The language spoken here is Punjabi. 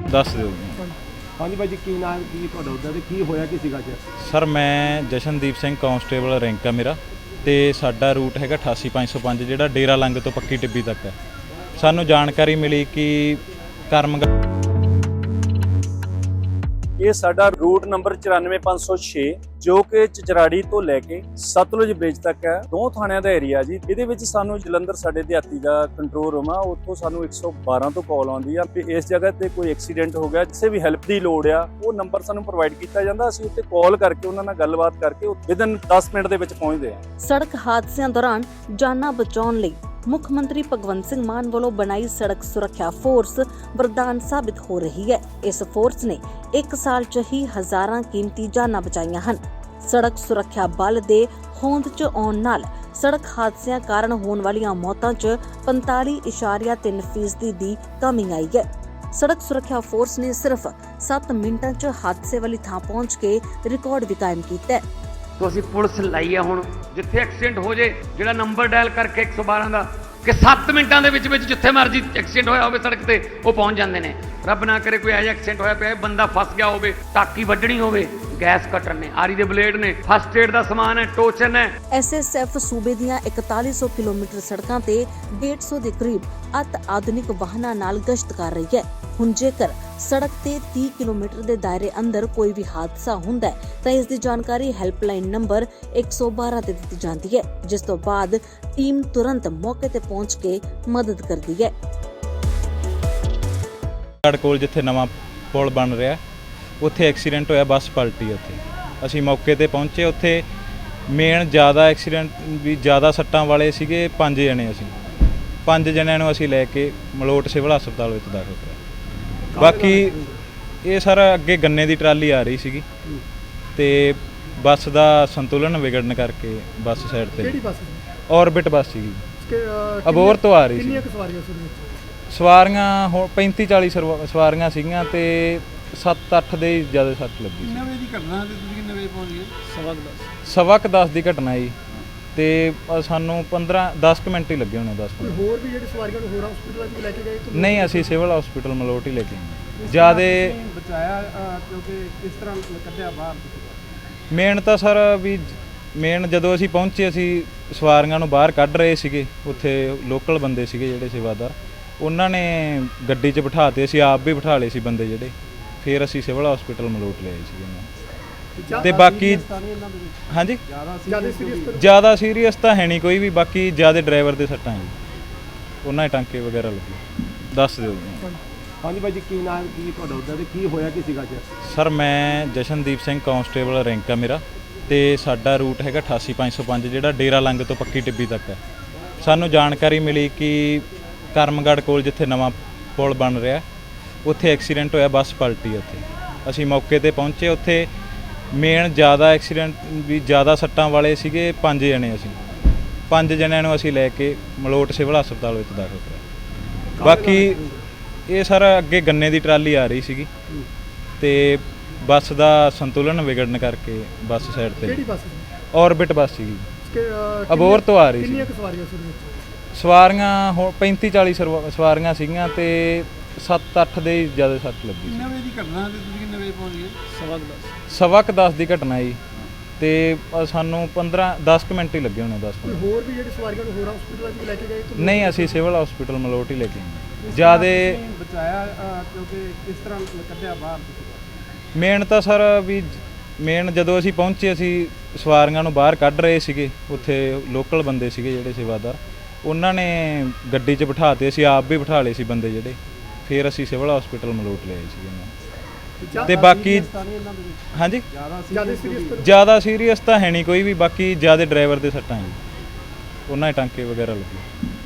ਦੱਸ ਦਿਓ ਜੀ। ਹਾਂਜੀ ਭਾਈ ਜੀ, ਕੀ ਨਾਮ ਕੀ ਤੁਹਾਡਾ ਉਹਦਾ ਤੇ ਕੀ ਹੋਇਆ ਕੀ ਸੀਗਾ ਜੀ? ਸਰ ਮੈਂ ਜਸ਼ਨਦੀਪ ਸਿੰਘ ਕਾਂਸਟੇਬਲ ਰੈਂਕ ਆ ਮੇਰਾ, ਤੇ ਸਾਡਾ ਰੂਟ ਹੈਗਾ 88505 ਜਿਹੜਾ ਡੇਰਾ ਲੰਗ ਤੋਂ ਪੱਕੀ ਟਿੱਬੀ ਤੱਕ ਹੈ। ਸਾਨੂੰ ਜਾਣਕਾਰੀ ਮਿਲੀ ਕਿ ਕਰਮਗੜ ਇਹ ਸਾਡਾ ਰੂਟ ਨੰਬਰ 94506 ਜੋ ਕਿ ਚਚਰਾੜੀ ਤੋਂ ਲੈ ਕੇ ਸਤਲੁਜ ਬ੍ਰਿਜ ਤੱਕ ਹੈ। ਦੋ ਥਾਣਿਆਂ ਦਾ ਏਰੀਆ ਜੀ। ਇਹਦੇ ਵਿੱਚ ਸਾਨੂੰ ਜਲੰਧਰ ਸਾਡੇ ਦਿਹਾਤੀ ਦਾ ਕੰਟਰੋਲ ਰੂਮ ਆ, ਉੱਥੋਂ ਸਾਨੂੰ 112 ਤੋਂ ਕਾਲ ਆਉਂਦੀ ਆ ਕਿ ਇਸ ਜਗ੍ਹਾ ਤੇ ਕੋਈ ਐਕਸੀਡੈਂਟ ਹੋ ਗਿਆ, ਕਿਸੇ ਵੀ ਹੈਲਪ ਦੀ ਲੋੜ ਆ, ਉਹ ਨੰਬਰ ਸਾਨੂੰ ਪ੍ਰੋਵਾਈਡ ਕੀਤਾ ਜਾਂਦਾ। ਅਸੀਂ ਉੱਤੇ ਕਾਲ ਕਰਕੇ ਉਹਨਾਂ ਨਾਲ ਗੱਲਬਾਤ ਕਰਕੇ ਵਿਦਨ 10 ਮਿੰਟ ਦੇ ਵਿੱਚ ਪਹੁੰਚਦੇ ਆ। ਸੜਕ ਹਾਦਸਿਆਂ ਦੌਰਾਨ ਜਾਨਾਂ ਬਚਾਉਣ ਲਈ ਮੁੱਖ ਮੰਤਰੀ ਭਗਵੰਤ ਸਿੰਘ ਮਾਨ ਵੱਲੋਂ ਬਣਾਈ ਸੜਕ ਸੁਰੱਖਿਆ ਫੋਰਸ ਵਰਦਾਨ ਸਾਬਿਤ ਹੋ ਰਹੀ ਹੈ। ਇਸ ਫੋਰਸ ਨੇ 1 ਸਾਲ 'ਚ ਹੀ ਹਜ਼ਾਰਾਂ ਕੀਮਤੀ ਜਾਨਾਂ ਬਚਾਈਆਂ ਹਨ। ਸੜਕ ਸੁਰੱਖਿਆ ਬਲ ਦੇ ਹੋਂਦ 'ਚ ਆਉਣ ਨਾਲ ਸੜਕ ਹਾਦਸਿਆਂ ਕਾਰਨ ਹੋਣ ਵਾਲੀਆਂ ਮੌਤਾਂ 'ਚ 45.3% ਦੀ ਕਮੀ ਆਈ ਹੈ। ਸੜਕ ਸੁਰੱਖਿਆ ਫੋਰਸ ਨੇ ਸਿਰਫ 7 ਮਿੰਟਾਂ 'ਚ ਹਾਦਸੇ ਵਾਲੀ ਥਾਂ ਪਹੁੰਚ ਕੇ ਰਿਕਾਰਡ ਵੀ ਕਾਇਮ ਕੀਤਾ ਹੈ। तो ਅਸੀਂ ਪੁਲਿਸ ਲਾਈ ਆ ਹੁਣ ਜਿੱਥੇ ਐਕਸੀਡੈਂਟ ਹੋ ਜੇ ਜਿਹੜਾ ਨੰਬਰ ਡਾਇਲ ਕਰਕੇ 112 ਦਾ ਕਿ 7 ਮਿੰਟਾਂ ਦੇ ਵਿੱਚ ਜਿੱਥੇ ਮਰਜ਼ੀ ਐਕਸੀਡੈਂਟ ਹੋਇਆ ਹੋਵੇ ਸੜਕ ਤੇ ਉਹ ਪਹੁੰਚ ਜਾਂਦੇ ਨੇ। ਰੱਬ ਨਾ ਕਰੇ ਕੋਈ ਇਹੋ ਜਿਹਾ ਐਕਸੀਡੈਂਟ ਹੋਇਆ ਪਿਆ, ਬੰਦਾ ਫਸ ਗਿਆ ਹੋਵੇ, ਟਾਕੀ ਵੱਢਣੀ ਹੋਵੇ, ਗੈਸ ਕਟਰ ਨੇ, ਆਰੀ ਦੇ ਬਲੇਡ ਨੇ, ਫਸਟ ਏਡ ਦਾ ਸਮਾਨ ਹੈ, ਟੋਚਨ ਹੈ। ਐਸਐਸਐਫ ਸੂਬੇ ਦੀਆਂ 4100 ਕਿਲੋਮੀਟਰ ਸੜਕਾਂ ਤੇ 150 ਦੇ ਕਰੀਬ ਅਤ ਆਧੁਨਿਕ ਵਾਹਨਾਂ ਨਾਲ ਗਸ਼ਤ ਕਰ ਰਹੀ ਹੈ। ਹੁਣ ਜੇਕਰ ਸੜਕ ਤੇ 30 ਕਿਲੋਮੀਟਰ ਦੇ ਦਾਇਰੇ ਅੰਦਰ ਕੋਈ ਵੀ ਹਾਦਸਾ ਹੁੰਦਾ ਹੈ ਤਾਂ ਇਸ ਦੀ ਜਾਣਕਾਰੀ ਹੈਲਪਲਾਈਨ ਨੰਬਰ 112 ਤੇ ਦਿੱਤੀ ਜਾਂਦੀ ਹੈ, ਜਿਸ ਤੋਂ ਬਾਅਦ ਟੀਮ ਤੁਰੰਤ ਮੌਕੇ ਤੇ ਪਹੁੰਚ ਕੇ ਮਦਦ ਕਰਦੀ ਹੈ। ਸਾਡੇ ਕੋਲ ਜਿੱਥੇ ਨਵਾਂ ਪੁਲ ਬਣ ਰਿਹਾ ਉੱਥੇ ਐਕਸੀਡੈਂਟ ਹੋਇਆ, ਬੱਸ ਪਲਟੀ। ਉੱਥੇ ਅਸੀਂ ਮੌਕੇ ਤੇ ਪਹੁੰਚੇ। ਉੱਥੇ ਮੇਨ ਜ਼ਿਆਦਾ ਐਕਸੀਡੈਂਟ ਵੀ ਜ਼ਿਆਦਾ ਸੱਟਾਂ ਵਾਲੇ ਸੀਗੇ, 5 ਜਣੇ। ਅਸੀਂ 5 ਜਣਿਆਂ ਨੂੰ ਅਸੀਂ ਲੈ ਕੇ ਮਲੋਟ ਸਿਵਲ ਹਸਪਤਾਲ ਵਿੱਚ ਦਾਖਲ ਕਰਾਇਆ। ਬਾਕੀ ਇਹ ਸਾਰਾ ਅੱਗੇ ਗੰਨੇ ਦੀ ਟਰਾਲੀ ਆ ਰਹੀ ਸੀਗੀ ਤੇ ਬੱਸ ਦਾ ਸੰਤੁਲਨ ਵਿਗੜਨ ਕਰਕੇ ਬੱਸ ਸਾਈਡ ਤੇ। ਕਿਹੜੀ ਬੱਸ? ਔਰਬਿਟ ਬੱਸ ਸੀਗੀ, ਅਬੋਹਰ ਤੋਂ ਆ ਰਹੀ ਸੀ। ਕਿੰਨੀਆਂ ਸਵਾਰੀਆਂ ਸੀ ਉਹਦੇ ਵਿੱਚ? ਸਵਾਰੀਆਂ ਹੁਣ 35-40 ਸਵਾਰੀਆਂ ਸੀਗੀਆਂ ਤੇ 7-8 ਦੇ ਜ਼ਿਆਦਾ ਸੱਟ ਲੱਗੀ ਸੀ। ਕਿੰਨੇ ਵਜੇ ਦੀ ਘਟਨਾ ਤੇ ਤੁਸੀਂ ਕਿੰਨੇ ਵਜੇ ਪਹੁੰਚ ਗਏ? 10:15 ਦੀ ਘਟਨਾ ਜੀ, ਤੇ ਸਾਨੂੰ 10 ਮਿੰਟ ਹੀ ਲੱਗੇ ਹੋਣੇ। 10 ਮਿੰਟ। ਹੋਰ ਵੀ ਜਿਹੜੀ ਸਵਾਰੀਆਂ ਨੂੰ ਹੋਰ ਹਸਪੀਟਲ ਵਿੱਚ ਲੈ ਕੇ ਗਏ? ਨਹੀਂ, ਅਸੀਂ ਸਿਵਲ ਹਸਪੀਟਲ ਮਲੋਟ ਹੀ ਲੈ ਕੇ ਆਏ। ਜ਼ਿਆਦਾ ਬਚਾਇਆ ਕਿਉਂਕਿ ਕਿਸ ਤਰ੍ਹਾਂ ਕੱਢਿਆ ਬਾਹਰ? ਮੇਨ ਤਾਂ ਸਰ ਵੀ ਜਦੋਂ ਅਸੀਂ ਪਹੁੰਚੇ, ਅਸੀਂ ਸਵਾਰੀਆਂ ਨੂੰ ਬਾਹਰ ਕੱਢ ਰਹੇ ਸੀਗੇ। ਉੱਥੇ ਲੋਕਲ ਬੰਦੇ ਸੀਗੇ ਜਿਹੜੇ ਸੇਵਾਦਾਰ, ਉਹਨਾਂ ਨੇ ਗੱਡੀ 'ਚ ਬਿਠਾ ਤੇ, ਅਸੀਂ ਆਪ ਵੀ ਬਿਠਾ ਲਏ ਸੀ ਬੰਦੇ ਜਿਹੜੇ। ਫਿਰ ਅਸੀਂ ਸਿਵਲ ਹਸਪੀਟਲ ਮਲੋਟ ਲਿਆਏ ਸੀਗੇ। ਤੇ ਬਾਕੀ ਹਾਂਜੀ ਜ਼ਿਆਦਾ ਸੀਰੀਅਸ ਤਾਂ ਹੈ ਨਹੀਂ ਕੋਈ ਵੀ, ਬਾਕੀ ਜ਼ਿਆਦਾ ਡਰਾਈਵਰ ਦੇ ਸੱਟਾਂ ਜੀ, ਉਹਨਾਂ ਦੇ ਟਾਂਕੇ ਵਗੈਰਾ ਲੱਗੇ। ਦੱਸ ਦਿਓ ਜੀ। ਹਾਂਜੀ ਭਾਈ ਜੀ, ਕੀ ਨਾਮ ਕੀ ਤੁਹਾਡਾ ਉਹਦਾ ਤੇ ਕੀ ਹੋਇਆ ਕੀ ਸੀਗਾ ਜੀ? ਸਰ ਮੈਂ ਜਸ਼ਨਦੀਪ ਸਿੰਘ ਕਾਂਸਟੇਬਲ ਰੈਂਕ ਆ ਮੇਰਾ, ਤੇ ਸਾਡਾ ਰੂਟ ਹੈਗਾ 88505 ਜਿਹੜਾ ਡੇਰਾ ਲੰਗ ਤੋਂ ਪੱਕੀ ਟਿੱਬੀ ਤੱਕ ਹੈ। ਸਾਨੂੰ ਜਾਣਕਾਰੀ ਮਿਲੀ ਕਿ ਕਰਮਗੜ ਕੋਲ ਜਿੱਥੇ ਨਵਾਂ ਪੁਲ ਬਣ ਰਿਹਾ ਉੱਥੇ ਐਕਸੀਡੈਂਟ ਹੋਇਆ, ਬੱਸ ਪਲਟੀ। ਉੱਥੇ ਅਸੀਂ ਮੌਕੇ ਤੇ ਪਹੁੰਚੇ। ਉੱਥੇ ਮੇਨ ਜ਼ਿਆਦਾ ਐਕਸੀਡੈਂਟ ਵੀ ਜ਼ਿਆਦਾ ਸੱਟਾਂ ਵਾਲੇ ਸੀਗੇ, 5 ਜਣੇ। ਅਸੀਂ 5 ਜਣਿਆਂ ਨੂੰ ਅਸੀਂ ਲੈ ਕੇ ਮਲੋਟ ਸਿਵਲ ਹਸਪਤਾਲ ਵਿੱਚ ਦਾਖਲ ਕਰਾਇਆ। ਬਾਕੀ ਇਹ ਸਾਰਾ ਅੱਗੇ ਗੰਨੇ ਦੀ ਟਰਾਲੀ ਆ ਰਹੀ ਸੀਗੀ ਤੇ ਬੱਸ ਦਾ ਸੰਤੁਲਨ ਵਿਗੜਨ ਕਰਕੇ ਬੱਸ ਸਾਈਡ ਤੇ। ਕਿਹੜੀ ਬੱਸ? ਔਰਬਿਟ ਬੱਸ ਸੀਗੀ, ਅਬੋਹਰ ਤੋਂ ਆ ਰਹੀ ਸੀ। ਕਿੰਨੀਆਂ ਸਵਾਰੀਆਂ ਸੀ ਉਹਦੇ ਵਿੱਚ? ਸਵਾਰੀਆਂ ਹੁਣ 35-40 ਸਵਾਰੀਆਂ ਸੀਗੀਆਂ ਤੇ 7-8 ਦੇ ਜ਼ਿਆਦਾ ਸੱਟ ਲੱਗੀ ਸੀ। ਕਿੰਨੇ ਵਜੇ ਦੀ ਘਟਨਾ ਤੇ ਤੁਸੀਂ ਕਿੰਨੇ ਵਜੇ ਪਹੁੰਚ ਗਏ? 10:15 ਦੀ ਘਟਨਾ ਜੀ, ਤੇ ਸਾਨੂੰ 10 ਮਿੰਟ ਹੀ ਲੱਗੇ ਹੋਣੇ। 10 ਮਿੰਟ। ਹੋਰ ਵੀ ਜਿਹੜੀ ਸਵਾਰੀਆਂ ਨੂੰ ਹੋਰ ਹਸਪੀਟਲ ਵਿੱਚ ਲੈ ਕੇ ਗਏ? ਨਹੀਂ, ਅਸੀਂ ਸਿਵਲ ਹਸਪੀਟਲ ਮਲੋਟ ਹੀ ਲੈ ਕੇ ਆਏ। ਜ਼ਿਆਦਾ ਬਚਾਇਆ ਕਿਉਂਕਿ ਕਿਸ ਤਰ੍ਹਾਂ ਕੱਢਿਆ ਬਾਹਰ? ਮੇਨ ਤਾਂ ਸਰ ਵੀ ਜਦੋਂ ਅਸੀਂ ਪਹੁੰਚੇ, ਅਸੀਂ ਸਵਾਰੀਆਂ ਨੂੰ ਬਾਹਰ ਕੱਢ ਰਹੇ ਸੀਗੇ। ਉੱਥੇ ਲੋਕਲ ਬੰਦੇ ਸੀਗੇ ਜਿਹੜੇ ਸੇਵਾਦਾਰ, ਉਹਨਾਂ ਨੇ ਗੱਡੀ 'ਚ ਬਿਠਾ ਤੇ, ਅਸੀਂ ਆਪ ਵੀ ਬਿਠਾ ਲਏ ਸੀ ਬੰਦੇ ਜਿਹੜੇ। ਫਿਰ ਅਸੀਂ ਸਿਵਲ ਹਸਪੀਟਲ ਮਲੋਟ ਲਿਆਏ ਸੀਗੇ। ਤੇ ਬਾਕੀ ਹਾਂਜੀ ਜ਼ਿਆਦਾ ਸੀਰੀਅਸ ਤਾਂ ਹੈ ਨਹੀਂ ਕੋਈ ਵੀ, ਬਾਕੀ ਜ਼ਿਆਦਾ ਡਰਾਈਵਰ ਦੇ ਸੱਟਾਂ ਜੀ, ਉਹਨਾਂ ਦੇ ਟਾਂਕੇ ਵਗੈਰਾ ਲੱਗੇ।